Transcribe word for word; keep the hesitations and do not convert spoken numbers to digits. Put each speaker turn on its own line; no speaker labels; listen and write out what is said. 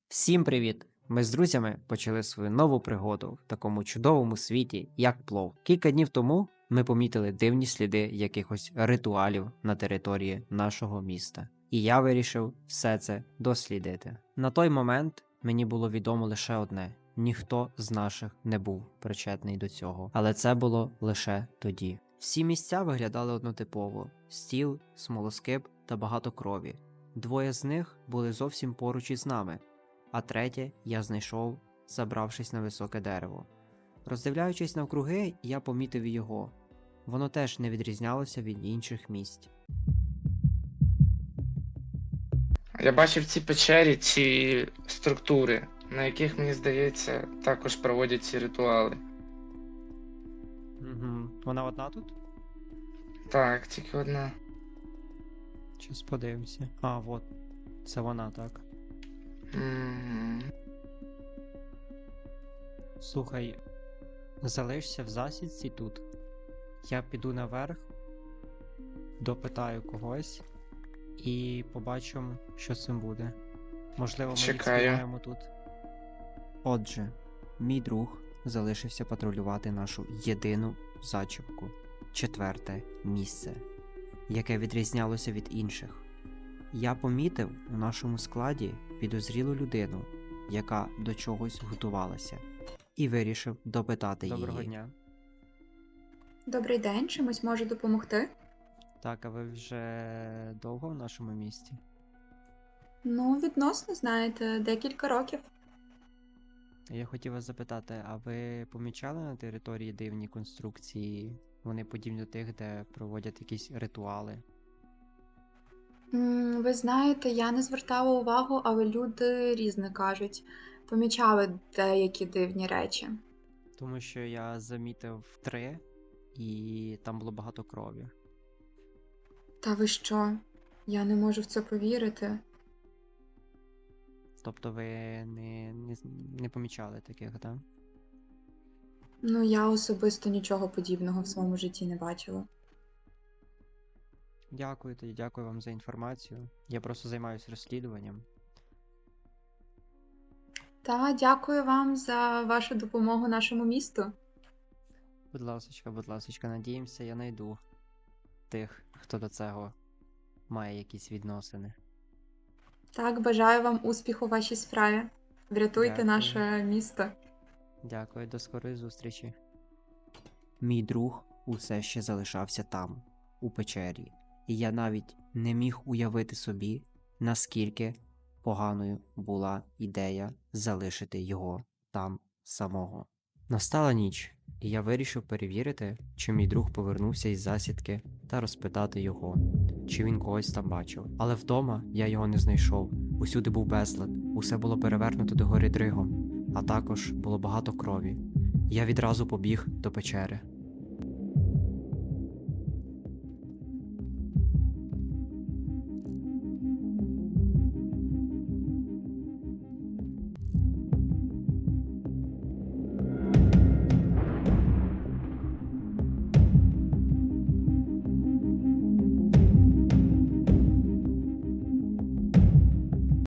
Всім привіт! Ми з друзями почали свою нову пригоду в такому чудовому світі, як плов. Кілька днів тому ми помітили дивні сліди якихось ритуалів на території нашого міста. І я вирішив все це дослідити. На той момент мені було відомо лише одне: ніхто з наших не був причетний до цього. Але це було лише тоді. Всі місця виглядали однотипово: стіл, смолоскип та багато крові. Двоє з них були зовсім поруч із нами, а третє я знайшов, забравшись на високе дерево. Роздивляючись навкруги, я помітив і його. Воно теж не відрізнялося від інших місць.
Я бачив в цій печері ці структури, на яких, мені здається, також проводять ці ритуали.
Угу. Вона одна тут?
Так, тільки одна.
Щас подивимося. А, от. Це вона, так.
М.
Слухай, залишся в засідці тут. Я піду наверх, допитаю когось і побачимо, що з цим буде. Можливо, ми
Чекаю.
відспіваємо тут. Отже, мій друг залишився патрулювати нашу єдину зачіпку. Четверте місце, яке відрізнялося від інших. Я помітив у нашому складі підозрілу людину, яка до чогось готувалася, і вирішив допитати її. Доброго дня.
Добрий день, чимось можу допомогти?
Так, а ви вже довго в нашому місті?
Ну, відносно, знаєте, декілька років.
Я хотів вас запитати, а ви помічали на території дивні конструкції? Вони подібні до тих, де проводять якісь ритуали?
М, Ви знаєте, я не звертала увагу, але люди різне кажуть. Помічали деякі дивні речі.
Тому що я замітив три, і там було багато крові.
Та ви що? Я не можу в це повірити.
Тобто ви не, не, не помічали таких, так?
Ну, я особисто нічого подібного в своєму житті не бачила.
Дякую тоді, дякую вам за інформацію. Я просто займаюся розслідуванням.
Та дякую вам за вашу допомогу нашому місту.
Будь ласочка, будь ласочка, надіємося, я знайду тих, хто до цього має якісь відносини.
Так, бажаю вам успіху у вашій справі. Врятуйте
Дякую.
наше місто.
Дякую, до скорої зустрічі. Мій друг усе ще залишався там, у печері, і я навіть не міг уявити собі, наскільки поганою була ідея залишити його там самого. Настала ніч, і я вирішив перевірити, чи мій друг повернувся із засідки, та розпитати його, чи він когось там бачив. Але вдома я його не знайшов. Усюди був безлад, усе було перевернуто догори дригом, а також було багато крові. Я відразу побіг до печери.